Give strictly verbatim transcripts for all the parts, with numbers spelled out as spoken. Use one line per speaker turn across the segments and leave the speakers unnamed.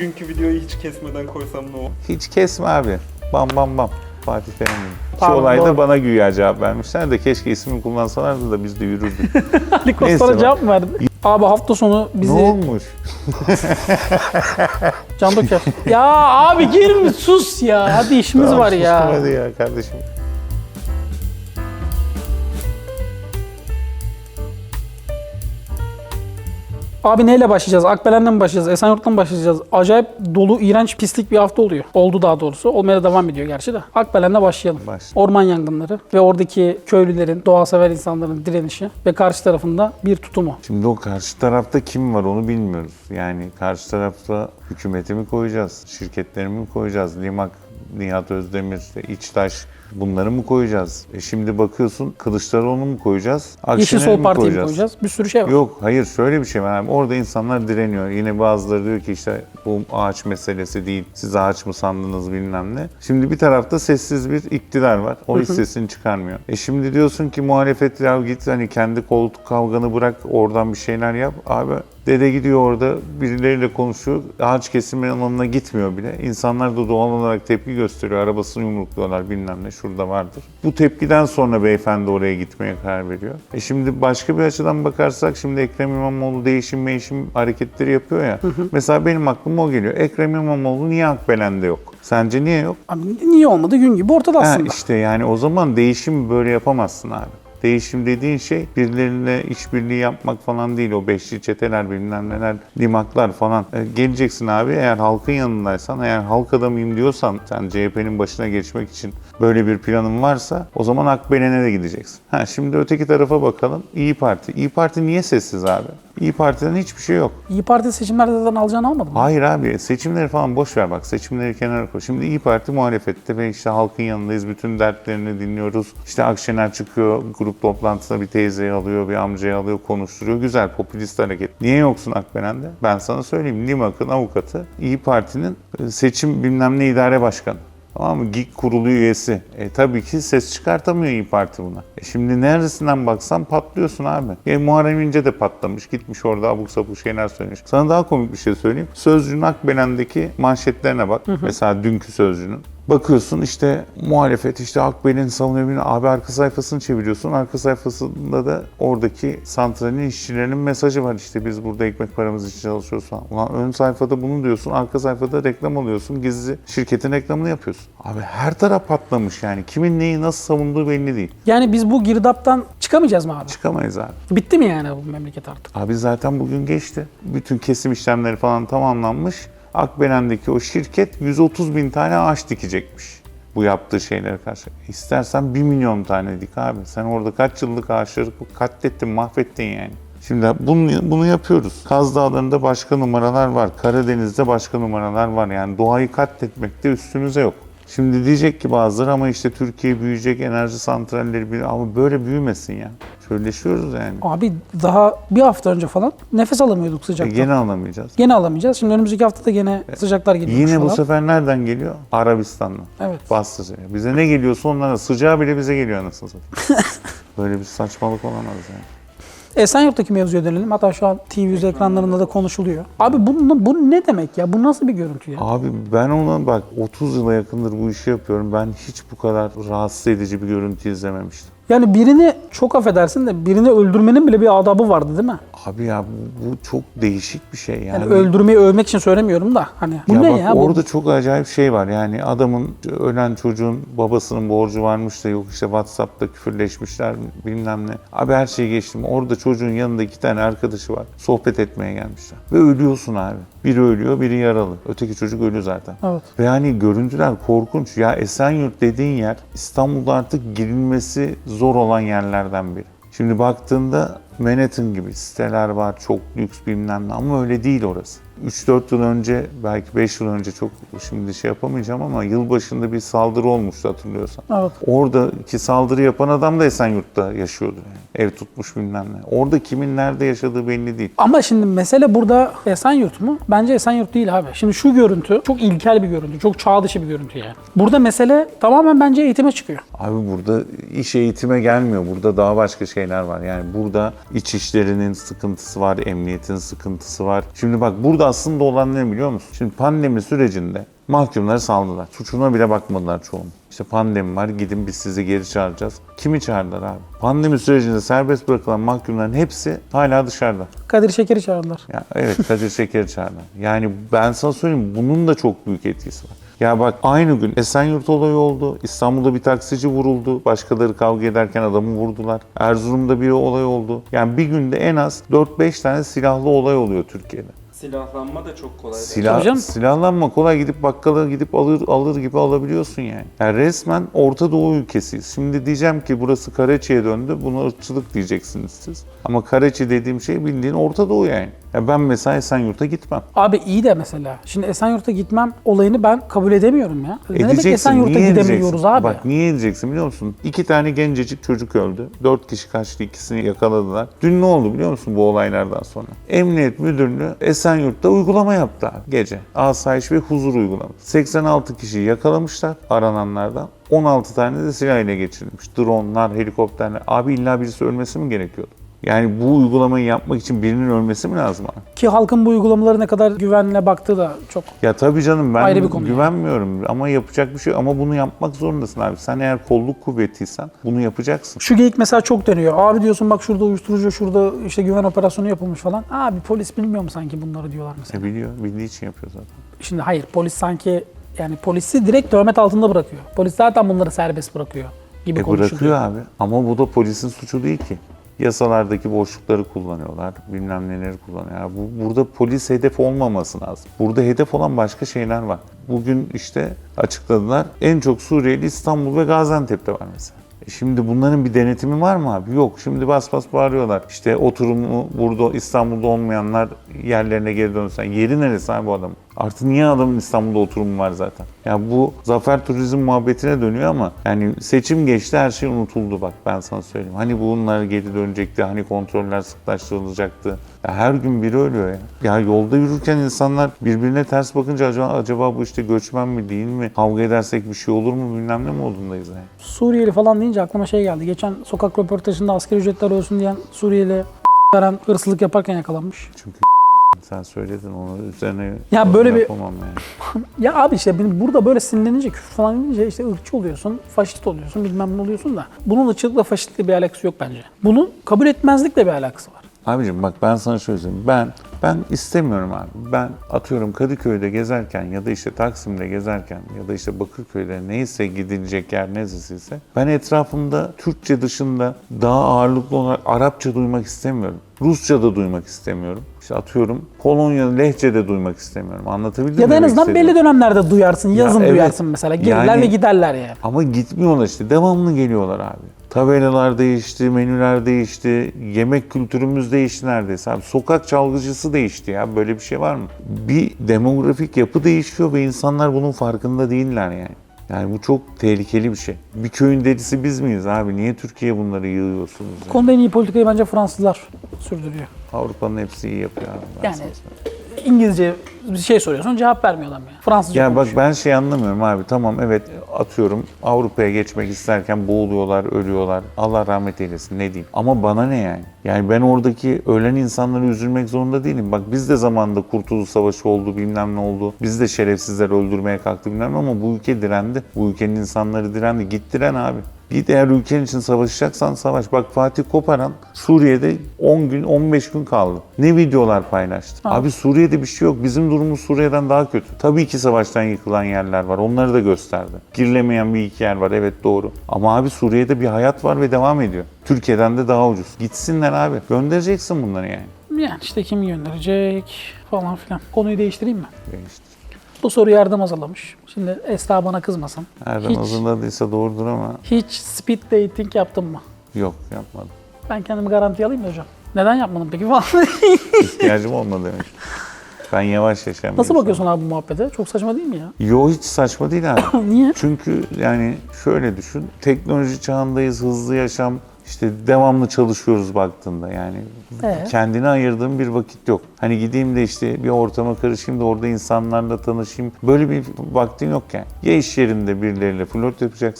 bugünkü videoyu hiç kesmeden koysam ne olur?
Hiç kesme abi. Bam bam bam. Fatih Terim. İki
Tamam,
olayda
doğru.
bana güya cevap vermişler de keşke ismini kullansalardı da biz de yürürdük.
Ali
Neyse
Kostar'a
bak.
cevap mı verdin? Abi hafta sonu bizi...
Ne olmuş?
Can Döker. Ya abi girme sus ya. Hadi işimiz
Tamam,
var ya.
sustum hadi ya kardeşim.
Abi neyle başlayacağız? Akbelen'le mi başlayacağız? Esenyurt'tan mı başlayacağız? Acayip dolu, iğrenç, pislik bir hafta oluyor. Oldu daha doğrusu. Olmaya da devam ediyor gerçi de. Akbelen'le başlayalım.
Başla.
Orman yangınları ve oradaki köylülerin, doğa sever insanların direnişi ve karşı tarafında bir tutumu.
Şimdi o karşı tarafta kim var onu bilmiyoruz. Yani karşı tarafta hükümeti mi koyacağız, şirketleri mi koyacağız, Limak, Nihat Özdemir, işte İçtaş bunları mı koyacağız? E şimdi bakıyorsun Kılıçdaroğlu'nu mu koyacağız,
Yeşil
Akşener'i
Sol
mi
Parti'yi mi
koyacağız?
koyacağız? Bir sürü şey var.
Yok hayır şöyle bir şey var. Yani orada insanlar direniyor. Yine bazıları diyor ki işte bu ağaç meselesi değil. Siz ağaç mı sandınız bilmem ne. Şimdi bir tarafta sessiz bir iktidar var. O hiç sesini çıkarmıyor. E şimdi diyorsun ki muhalefet ya git hani kendi koltuk kavganı bırak oradan bir şeyler yap. Abi dede gidiyor orada birileriyle konuşuyor. Ağaç kesimi alanına gitmiyor bile. İnsanlar da doğal olarak tepki gösteriyor. Arabasını yumrukluyorlar bilmem ne şurada vardır. Bu tepkiden sonra beyefendi oraya gitmeye karar veriyor. E şimdi başka bir açıdan bakarsak şimdi Ekrem İmamoğlu değişim değişim hareketleri yapıyor ya. Hı hı. Mesela benim aklıma o geliyor. Ekrem İmamoğlu niye Akbelen'de yok? Sence niye yok?
Abi niye olmadı? Gün gibi ortada
Ha,
aslında.
işte yani o zaman değişim böyle yapamazsın abi. Değişim dediğin şey birileriyle işbirliği yapmak falan değil. O beşli çeteler bilmem neler, limaklar falan. E, geleceksin abi eğer halkın yanındaysan, eğer halk adamıyım diyorsan sen C H P'nin başına geçmek için böyle bir planın varsa o zaman Akbelen'e de gideceksin. Ha, şimdi öteki tarafa bakalım. İyi Parti. İyi Parti niye sessiz abi? İyi Parti'den hiçbir şey yok.
İyi Parti seçimlerde zaten alacağını almadı mı?
Hayır abi seçimleri falan boş ver bak seçimleri kenara koy. Şimdi İyi Parti muhalefette ve işte halkın yanındayız. Bütün dertlerini dinliyoruz. İşte Akşener çıkıyor grup toplantısında bir teyzeyi alıyor, bir amcayı alıyor, konuşturuyor. Güzel popülist hareket. Niye yoksun Akbelen'de? Ben sana söyleyeyim. Limak'ın avukatı İyi Parti'nin seçim bilmem ne idare başkanı. Tamam mı? GİK kurulu üyesi. E tabii ki ses çıkartamıyor İyi Parti buna. E şimdi neresinden baksan patlıyorsun abi. E Muharrem İnce de patlamış. Gitmiş orada abuk sabuk şeyler söylemiş. Sana daha komik bir şey söyleyeyim. Sözcü'nün Akbelen'deki manşetlerine bak. Hı hı. Mesela dünkü Sözcü'nün. Bakıyorsun işte muhalefet işte Akbelen'i savunuyor. Abi arka sayfasını çeviriyorsun. Arka sayfasında da oradaki santralin işçilerinin mesajı var. İşte biz burada ekmek paramız için çalışıyoruz falan. Ulan ön sayfada bunu diyorsun. Arka sayfada reklam alıyorsun. Gizli şirketin reklamını yapıyorsun. Abi her taraf patlamış yani. Kimin neyi nasıl savunduğu belli değil.
Yani biz bu girdaptan çıkamayacağız mı abi?
Çıkamayız abi.
Bitti mi yani bu memleket artık?
Abi zaten bugün geçti. Bütün kesim işlemleri falan tamamlanmış. Akbelen'deki o şirket yüz otuz bin tane ağaç dikecekmiş bu yaptığı şeylere karşı. İstersen bir milyon tane dik abi. Sen orada kaç yıllık ağaçları katlettin, mahvettin yani. Şimdi bunu, bunu yapıyoruz. Kaz Dağları'nda başka numaralar var. Karadeniz'de başka numaralar var. Yani doğayı katletmekte üstümüze yok. Şimdi diyecek ki bazıları ama işte Türkiye büyüyecek, enerji santralleri büyüyecek. Ama böyle büyümesin ya. Çölleşiyoruz yani.
Abi daha bir hafta önce falan nefes alamıyorduk
E
sıcaktan.
gene alamayacağız.
Gene alamayacağız. Şimdi önümüzdeki hafta da gene sıcaklar geliyor.
Yine bu
falan.
sefer nereden geliyor? Arabistan'dan.
Evet.
Bastı. Bize ne geliyorsa onlara sıcağı bile bize geliyor anasını satayım. Böyle bir saçmalık olamaz yani.
Esenyurt'taki mevzuya dönelim. Hatta şu an T V yüz ekranlarında da konuşuluyor. Abi bu, bu ne demek ya? Bu nasıl bir görüntü ya?
Abi ben ona bak otuz yıla yakındır bu işi yapıyorum. Ben hiç bu kadar rahatsız edici bir görüntü izlememiştim.
Yani birini çok affedersin de birini öldürmenin bile bir adabı vardı değil mi?
Abi ya bu, bu çok değişik bir şey yani.
Yani öldürmeyi övmek için söylemiyorum da hani bu
ya
ne
bak,
ya?
Orada
Bu...
çok acayip şey var yani adamın ölen çocuğun babasının borcu varmış da yok işte WhatsApp'ta küfürleşmişler bilmem ne. Abi her şeyi geçtim. Orada çocuğun yanında iki tane arkadaşı var. Sohbet etmeye gelmişler. Ve ölüyorsun abi. Biri ölüyor, biri yaralı. Öteki çocuk ölü zaten.
Evet.
Ve yani görüntüler korkunç. Ya Esenyurt dediğin yer İstanbul'da artık girilmesi zor olan yerlerden biri. Şimdi baktığında Manhattan gibi siteler var, çok lüks bilmem ne ama öyle değil orası. üç dört yıl önce, belki beş yıl önce çok şimdi şey yapamayacağım ama yılbaşında bir saldırı olmuştu hatırlıyorsan.
Evet.
Oradaki saldırı yapan adam da Esenyurt'ta yaşıyordu. Yani. Ev tutmuş bilmem ne. Orada kimin nerede yaşadığı belli değil.
Ama şimdi mesele burada Esenyurt mu? Bence Esenyurt değil abi. Şimdi şu görüntü çok ilkel bir görüntü, çok çağ dışı bir görüntü yani. Burada mesele tamamen bence eğitime çıkıyor.
Abi burada iş eğitime gelmiyor. Burada daha başka şeyler var. Yani burada iç işlerinin sıkıntısı var, emniyetin sıkıntısı var. Şimdi bak burada burada aslında olan ne biliyor musun? Şimdi pandemi sürecinde mahkumları saldılar. Suçuna bile bakmadılar çoğunun. İşte pandemi var, gidin biz sizi geri çağıracağız. Kimi çağırdılar abi? Pandemi sürecinde serbest bırakılan mahkumların hepsi hala dışarıda.
Kadir Şeker'i çağırdılar.
Ya evet, Kadir Şeker'i çağırdılar. Yani ben sana söyleyeyim, bunun da çok büyük etkisi var. Ya bak, aynı gün Esenyurt olayı oldu. İstanbul'da bir taksici vuruldu. Başkaları kavga ederken adamı vurdular. Erzurum'da bir olay oldu. Yani bir günde en az dört beş tane silahlı olay oluyor Türkiye'de.
Silahlanma da çok kolay.
Silah,
canım.
silahlanma kolay, gidip bakkala gidip alır alır gibi alabiliyorsun yani. Yani resmen Orta Doğu ülkesiyiz. Şimdi diyeceğim ki burası Karaçi'ye döndü. Buna ırkçılık diyeceksiniz siz. Ama Karaçi dediğim şey bildiğin Orta Doğu yani. Ya ben mesela Esenyurt'a gitmem.
Abi iyi de mesela. Şimdi Esenyurt'a gitmem olayını ben kabul edemiyorum ya. Ne demek
Edeceksin.
Esenyurt'a
Niye
gidemiyoruz
edeceksin?
abi?
Bak niye edeceksin biliyor musun? İki tane gencecik çocuk öldü. Dört kişi kaçtı, ikisini yakaladılar. Dün ne oldu biliyor musun bu olaylardan sonra? Emniyet Müdürlüğü Esenyurt'ta uygulama yaptı abi gece. Asayiş ve huzur uygulaması. seksen altı kişiyi yakalamışlar arananlardan. on altı tane de silah ile geçirilmiş. Dronlar, helikopterler. Abi illa birisi ölmesi mi gerekiyordu? Yani bu uygulamayı yapmak için birinin ölmesi mi lazım abi?
Ki halkın bu uygulamaları ne kadar güvenle baktığı da çok.
Ya tabii canım, ben
Ayrı bir konu
güvenmiyorum ama yapacak bir şey, ama bunu yapmak zorundasın abi. Sen eğer kolluk kuvvetiysen bunu yapacaksın.
Şu geyik mesela çok dönüyor. Abi diyorsun bak şurada uyuşturucu, şurada işte güven operasyonu yapılmış falan. Abi polis bilmiyor mu sanki bunları diyorlar mesela.
E biliyor, bildiği için yapıyor zaten.
Şimdi hayır, polis sanki yani polisi direkt töhmet altında bırakıyor. Polis zaten bunları serbest bırakıyor gibi
E
konuşuluyor.
bırakıyor abi, ama bu da polisin suçu değil ki. Yasalardaki boşlukları kullanıyorlar, bilmem neleri kullanıyor. Yani bu, burada polis hedef olmaması lazım. Burada hedef olan başka şeyler var. Bugün işte açıkladılar, en çok Suriyeli İstanbul ve Gaziantep'te var mesela. E şimdi bunların bir denetimi var mı abi? Yok. Şimdi bas bas bağırıyorlar. İşte oturumu burada İstanbul'da olmayanlar yerlerine geri dönsen. Yeri neresi abi bu adamın? Artık niye adamın İstanbul'da oturumu var zaten? Ya bu zafer turizm muhabbetine dönüyor ama yani seçim geçti, her şey unutuldu bak, ben sana söyleyeyim. Hani bunlar geri dönecekti, hani kontroller sıklaştırılacaktı. Ya her gün biri ölüyor ya. Ya yolda yürürken insanlar birbirine ters bakınca acaba, acaba bu işte göçmen mi değil mi? Kavga edersek bir şey olur mu bilmem ne modundayız yani.
Suriyeli falan deyince aklıma şey geldi. Geçen sokak röportajında asgari ücretler ölsün diyen Suriyeli veren hırsızlık yaparken yakalanmış.
Çünkü sen söyledin, onu üzerine
Ya böyle bir-
yapamam yani.
Ya abi işte benim burada böyle sinirlenince, küfür falan edince işte ırkçı oluyorsun, faşist oluyorsun, bilmem ne oluyorsun da. Bunun ırkçılıkla faşistlikle bir alakası yok bence. Bunun kabul etmezlikle bir alakası var.
Abicim bak, ben sana şöyle söyleyeyim. Ben ben istemiyorum abi. Ben atıyorum Kadıköy'de gezerken ya da işte Taksim'de gezerken ya da işte Bakırköy'de neyse gidilecek yer neresiyse, ben etrafımda Türkçe dışında daha ağırlıklı olarak Arapça duymak istemiyorum. Rusça da duymak istemiyorum. İşte atıyorum Polonyalı lehçe de duymak istemiyorum. Anlatabildim mi?
Ya da en
demek
azından
istediğimi?
belli dönemlerde duyarsın, yazın
evet.
duyarsın mesela. Gelirler
Yani-
ve giderler yani.
Ama gitmiyorlar işte. Devamlı geliyorlar abi. Tabelalar değişti, menüler değişti, yemek kültürümüz değişti neredeyse abi. Sokak çalgıcısı değişti ya. Böyle bir şey var mı? Bir demografik yapı değişiyor ve insanlar bunun farkında değiller yani. Yani bu çok tehlikeli bir şey. Bir köyün delisi biz miyiz abi? Niye Türkiye'ye bunları yığıyorsunuz?
Bu
Yani?
konuda en iyi politikayı bence Fransızlar sürdürüyor.
Avrupa'nın hepsi iyi yapıyor abi. Ben
Yani
sana söyleyeyim.
İngilizce bir şey soruyorsun, cevap vermiyor adam ya. Fransızca
Ya bak,
konuşuyor.
ben şey anlamıyorum abi. Tamam, evet, atıyorum Avrupa'ya geçmek isterken boğuluyorlar, ölüyorlar. Allah rahmet eylesin, ne diyeyim. Ama bana ne yani? Yani ben oradaki ölen insanları üzülmek zorunda değilim. Bak biz de zamanında Kurtuluş Savaşı oldu, bilmem ne oldu. Biz de şerefsizler öldürmeye kalktı bilmem ne, ama bu ülke direndi. Bu ülkenin insanları direndi. Git diren abi. Git, eğer ülken için savaşacaksan savaş. Bak Fatih Koparan Suriye'de on gün on beş gün kaldı. Ne videolar paylaştı.
Ha.
Abi Suriye'de bir şey yok. Bizim durumumuz Suriye'den daha kötü. Tabii ki savaştan yıkılan yerler var. Onları da gösterdi. Girilemeyen bir iki yer var. Evet, doğru. Ama abi Suriye'de bir hayat var ve devam ediyor. Türkiye'den de daha ucuz. Gitsinler abi. Göndereceksin bunları yani.
Yani işte kim gönderecek falan filan. Konuyu değiştireyim mi?
İşte.
Bu soruyu Erdem hazırlamış. Şimdi Esra bana kızmasın.
Erdem
Hiç-
hazırladıysa doğrudur ama
Hiç speed dating yaptın mı?
yok, yapmadım.
Ben kendimi garantiye alayım mı hocam? Neden yapmadın peki falan?
İhtiyacım olmadı demek. Ben yavaş yaşayan bir
Nasıl
insanım.
bakıyorsun abi bu muhabbete? Çok saçma değil mi ya?
Yo, hiç saçma değil abi.
Niye?
Çünkü yani şöyle düşün, teknoloji çağındayız, hızlı yaşam, işte devamlı çalışıyoruz baktığında yani.
Ee?
Kendine ayırdığım bir vakit yok. Hani gideyim de işte bir ortama karışayım da orada insanlarla tanışayım. Böyle bir vaktin yok yani. Ya iş yerinde birileriyle flört yapacaksın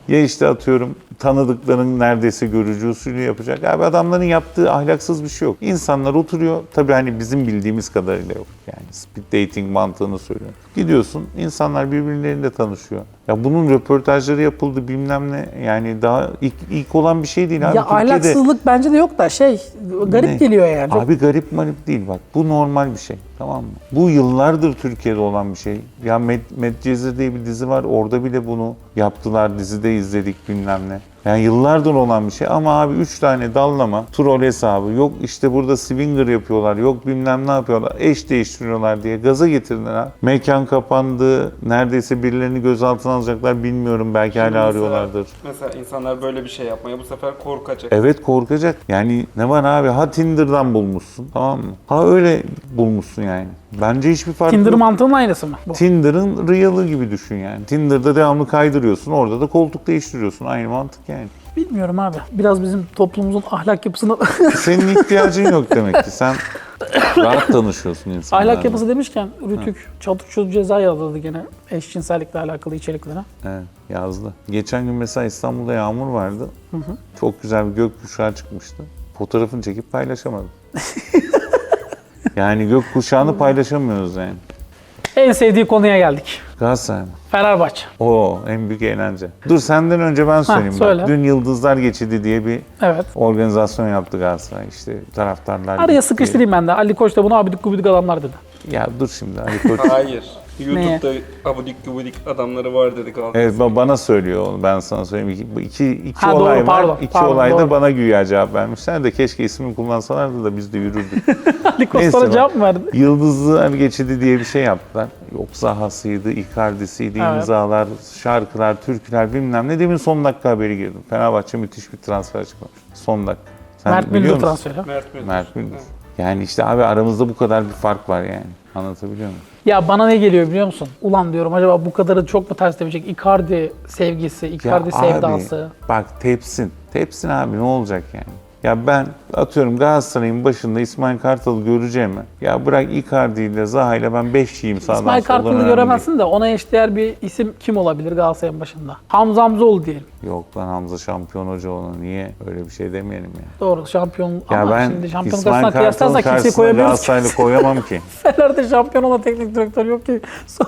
Ya işte atıyorum tanıdıkların neredeyse görücü usulü yapacak. Abi adamların yaptığı ahlaksız bir şey yok. İnsanlar oturuyor. Tabii hani bizim bildiğimiz kadarıyla yok. Yani speed dating mantığını söylüyorum. Gidiyorsun, insanlar birbirleriyle tanışıyor. Ya bunun röportajları yapıldı bilmem ne. Yani daha ilk, ilk olan bir şey değil abi.
Ya
Türkiye'de...
ahlaksızlık bence de yok da şey garip
Ne?
geliyor yani. Çok-
Abi garip marip değil bak. Bu normal bir şey. Tamam mı? Bu yıllardır Türkiye'de olan bir şey. Ya Med Medcezir diye bir dizi var. Orada bile bunu yaptılar. Dizide izledik bilmem ne. Yani yıllardır olan bir şey ama abi üç tane dallama, troll hesabı, yok işte burada swinger yapıyorlar, yok bilmem ne yapıyorlar, eş değiştiriyorlar diye gaza getirdiler ha. Mekan kapandı, neredeyse birilerini gözaltına alacaklar bilmiyorum, belki hala
Mesela-
arıyorlardır.
Mesela insanlar böyle bir şey yapmaya bu sefer korkacak.
Evet korkacak. Yani ne var abi, ha Tinder'dan bulmuşsun, tamam mı? Ha öyle bulmuşsun yani. Bence hiçbir fark
Tinder
yok.
mantığının aynısı mı? Bu.
Tinder'ın real'ı gibi düşün yani. Tinder'da devamlı kaydırıyorsun, orada da koltuk değiştiriyorsun. Aynı mantık yani.
Bilmiyorum abi. Biraz bizim toplumumuzun ahlak yapısını...
Senin ihtiyacın yok demek ki. Sen rahat tanışıyorsun insanlarla.
ahlak yapısı demişken Rütük Çatuşçu ceza yazdırdı gene eşcinsellikle alakalı içeriklere.
Evet, yazdı. Geçen gün mesela İstanbul'da yağmur vardı. Hı hı. Çok güzel bir gökkuşağı çıkmıştı. Fotoğrafını çekip paylaşamadım. Yani gökkuşağını paylaşamıyoruz yani.
En sevdiği konuya geldik.
Galatasaray mı?
Fenerbahçe.
Oo, en büyük eğlence. Dur senden önce ben söyleyeyim.
söyle.
Bak, dün Yıldızlar Geçidi diye bir
Evet.
organizasyon yaptı Galatasaray. İşte taraftarlar...
Araya sıkıştırayım ben de. Ali Koç da bunu abidik gubidik adamlar dedi.
Ya dur şimdi Ali Koç...
Hayır. YouTube'da abudik gubidik adamları var dedik abi.
Evet ba- bana söylüyor onu, ben sana söyleyeyim. İki, bu iki, iki
Ha, doğru,
olay var.
pardon,
İki
pardon,
olayda
doğru.
bana güya cevap vermişler de keşke ismini kullansalardı da biz de yürürdük.
Ali Koç
Neyse
sana
bak.
cevap mı verdi?
Yıldızlar Geçidi diye bir şey yaptılar. Yok Zaha'sıydı, Icardi'siydi,
Evet.
imzalar, şarkılar, türküler bilmem ne. Demin son dakika haberi girdim. Fenerbahçe müthiş bir transfer çıkmış. Son dakika. Sen
Mert
biliyor
Müldür
musun?
transferi.
Mert Müldür.
Mert Müldür. Yani işte abi aramızda bu kadar bir fark var yani. Anlatabiliyor muyum?
Ya bana ne geliyor biliyor musun? Ulan diyorum acaba bu kadarı çok mu ters tepecek? Icardi sevgisi, Icardi
Ya
sevdası.
Abi, bak tepsin. Tepsin abi ne olacak yani? Ya ben atıyorum Galatasaray'ın başında İsmail Kartal'ı göreceğimi. Ya bırak Icardi ile Zaha ile ben beş yiyeyim sağdan
İsmail
soldan
Kartal'ı
önemli
göremezsin de ona eşdeğer bir isim kim olabilir Galatasaray'ın başında? Hamza Hamzoğlu diyelim.
değil. Yok lan Hamza şampiyon hoca onu niye öyle bir şey demeyelim ya.
Doğru şampiyon
Ya
ama
ben
şimdi şampiyonluk
İsmail
arasına
Kartal'ın
kıyaslarsak kimseyi
karşısına
koyamıyoruz ki.
Galatasaray'la koyamam ki.
Fener'de şampiyon olan teknik direktör yok ki.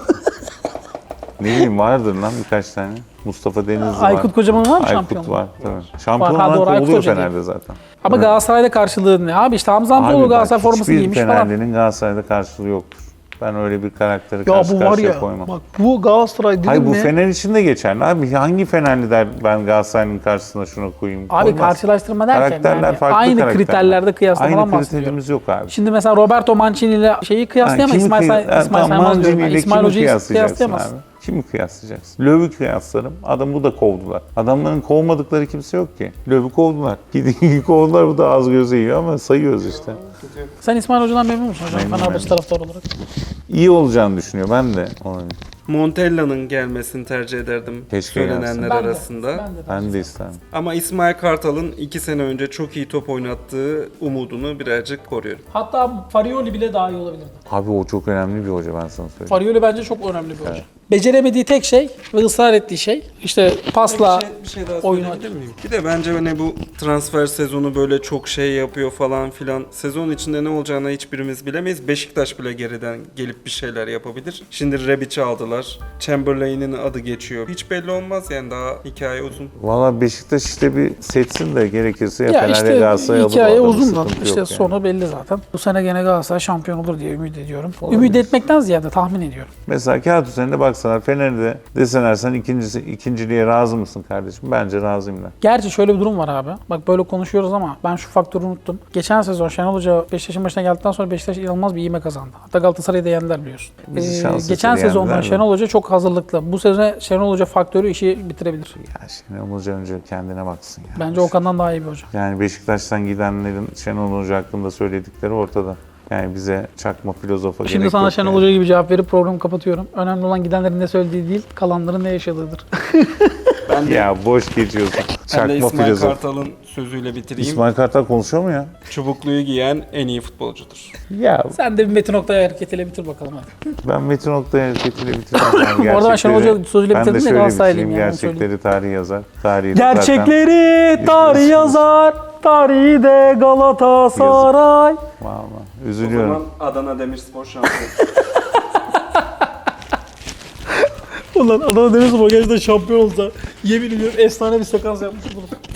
Ne bileyim vardır lan birkaç tane. Mustafa Denizli var.
Aykut Kocaman var mı
Aykut
şampiyon?
var tabii. Şampiyon
Var, ha,
olan
doğru, Aykut
kovuluyor
Hoca değil.
Fener'de zaten.
Ama
Evet.
Galatasaray'da karşılığı ne? Abi işte Hamza Hamzoğlu
Abi bak,
Galatasaray forması
hiçbir
giymiş falan.
Fenerli'nin Galatasaray'da karşılığı yoktur. Ben öyle bir karakteri
Ya
karşı
bu var
karşıya
ya,
koymam.
bak bu Galatasaray dedim
Hayır bu
mi?
Fener için de geçerli abi. Hangi Fenerli der ben Galatasaray'ın karşısına şunu koyayım?
Abi
Koymaz.
karşılaştırma derken
Karakterler
yani
farklı
aynı
karakterler.
kriterlerde kıyaslamadan
Aynı
bahsediyorum.
kriterimiz yok abi.
Şimdi mesela Roberto Mancini ile şeyi kıyaslayamayız.
kimi
İsmail,
kıy-
Say
Ha,
İsmail
tamam,
Saymaz diyorum.
Mancini
Yani
ile
İsmail
kimi
Hoca'yı
kıyaslayacaksın
kıyaslayamazsın.
abi? Kimi kıyaslayacaksın? Löw'ü kıyaslarım. Adamı da kovdular. Adamların kovmadıkları kimse yok ki. Löw'ü kovdular. Gidin kovdular, bu da az göze yiyor ama sayıyoruz işte.
Sen İsmail Hoca'dan memnun musun hocam?
Memnunum,
Fenerbahçe
memnunum.
taraftarı olarak.
İyi olacağını düşünüyor. Ben de onu.
Montella'nın gelmesini tercih ederdim
Keşke
söylenenler
gelsin.
Ben de,
arasında.
ben de.
Ben de isterim.
Ama İsmail Kartal'ın iki sene önce çok iyi top oynattığı umudunu birazcık koruyorum.
Hatta Farioli bile daha iyi olabilirdi.
Abi o çok önemli bir hoca, ben sana söyleyeyim.
Farioli bence çok önemli bir hoca. Beceremediği tek şey ve ısrar ettiği şey işte pasla
bir şey, bir şey daha
oyunu
söyleyebilir miyim? Bir de bence hani bu transfer sezonu böyle çok şey yapıyor falan filan. Sezon içinde ne olacağını hiçbirimiz bilemeyiz. Beşiktaş bile geriden gelip bir şeyler yapabilir. Şimdi Rebic'i aldılar. Chamberlain'in adı geçiyor. Hiç belli olmaz yani, daha hikaye uzun.
Valla Beşiktaş işte bir seçsin de gerekirse ya,
ya
Fener ya
işte
Galatasaray alır.
hikaye
o adamı,
uzun da
sıkıntı
işte
yok yani.
sonu belli zaten. Bu sene gene Galatasaray şampiyon olur diye ümit ediyorum.
Olabilir.
Ümit etmekten ziyade tahmin ediyorum.
Mesela kağıt üzerinde baksalar Fener'de deseler sen ikincisi, ikinciliğe razı mısın kardeşim? Bence razıyım ben.
Gerçi şöyle bir durum var abi. Bak böyle konuşuyoruz ama ben şu faktörü unuttum. Geçen sezon Şenol Hoca Beşiktaş'ın başına geldikten sonra Beşiktaş inanılmaz bir ivme kazandı. Hatta Galatasaray'ı da yendiler biliyorsun.
Bizi
Ee,
şans
geçen
eseri
sezondan
yendiler de.
Şenol Hoca çok hazırlıklı. Bu sezon Şenol Hoca faktörü işi bitirebilir.
Ya Şenol Hoca önce kendine baksın ya.
Bence Okan'dan daha iyi bir hoca.
Yani Beşiktaş'tan gidenlerin Şenol Hoca hakkında söyledikleri ortada. Yani bize çakma filozofa
Şimdi
gerek
sana
yok
Şenol
yani.
Hoca gibi cevap verip programı kapatıyorum. Önemli olan gidenlerin ne söylediği değil, kalanların ne yaşadığıdır.
Ben de,
Ya boş geçiyorsun.
ben de
Çakma
İsmail
filozof.
Kartal'ın sözüyle bitireyim.
İsmail Kartal konuşuyor mu ya?
Çubukluyu giyen en iyi futbolcudur.
Ya
Sen de bir Metin Oktay hareketiyle bitir bakalım hadi.
ben Metin Oktay hareketiyle bitireceğim.
Bu arada ben Şenol Hoca sözüyle
Ben de
bitirdim de
şöyle
Galatasaraylıyım
bitireyim.
yani, onu söyleyeyim.
Gerçekleri tarih yazar. Tarihi de zaten-
Gerçekleri tarih
biliyorsunuz.
yazar, tarihi de Galatasaray.
Vallahi
O
üzülüyorum.
zaman Adana Demirspor şampiyon.
Ulan Adana Demirspor gerçekten şampiyon olsa yemin ediyorum efsane bir sekans yapmış oluruz.